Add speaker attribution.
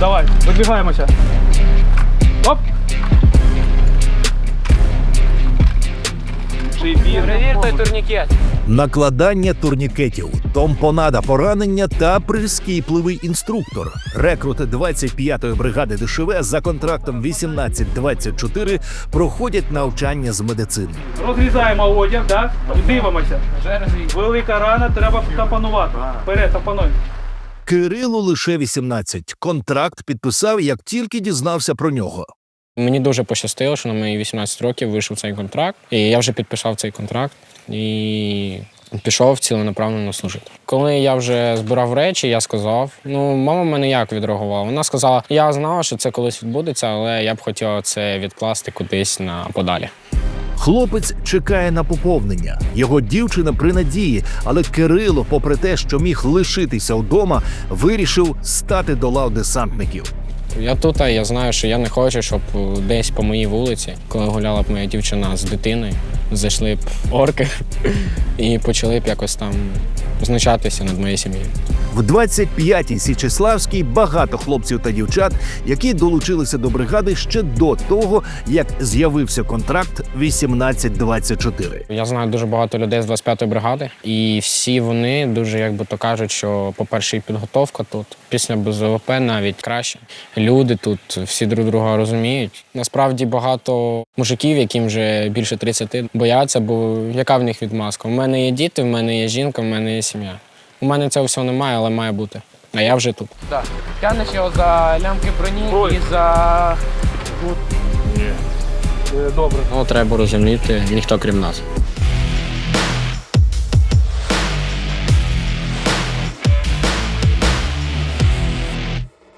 Speaker 1: Давай, вибігаємося. Оп!
Speaker 2: Перевір той турнікет.
Speaker 3: Накладання турнікетів, томпонада поранення та прискіпливий інструктор. Рекрути 25-ї бригади ДШВ за контрактом 1824 проходять навчання з медицини.
Speaker 1: Розрізаємо одяг, так? І дивимося. Велика рана, треба тампонувати. Вперед, тампонуй.
Speaker 3: Кирилу лише 18. Контракт підписав, як тільки дізнався про нього.
Speaker 2: Мені дуже пощастило, що на мої 18 років вийшов цей контракт. І я вже підписав цей контракт і пішов ціленаправленно служити. Коли я вже збирав речі, я сказав, мама в мене як відреагувала? Вона сказала, я знала, що це колись відбудеться, але я б хотіла це відкласти кудись на подалі.
Speaker 3: Хлопець чекає на поповнення. Його дівчина при надії, але Кирило, попри те, що міг лишитися вдома, вирішив стати до лав десантників.
Speaker 2: Я тут, а я знаю, що я не хочу, щоб десь по моїй вулиці, коли гуляла б моя дівчина з дитиною, зайшли б орки і почали б якось там знущатися над моєю сім'єю.
Speaker 3: В 25-й Січеславській багато хлопців та дівчат, які долучилися до бригади ще до того, як з'явився контракт 1824.
Speaker 2: Я знаю дуже багато людей з 25-ї бригади, і всі вони дуже, як би то кажуть, що, по-перше, і підготовка тут, після БЗВП навіть краще. Люди тут всі друг друга розуміють. Насправді багато мужиків, яким вже більше 30, бояться, бо яка в них відмазка? У мене є діти, в мене є жінка, в мене є сім'я. У мене цього всього немає, але має бути. А я вже тут.
Speaker 4: Так. Тянеш його за лямки броні і за...
Speaker 1: Добре.
Speaker 2: Треба розуміти, ніхто крім нас.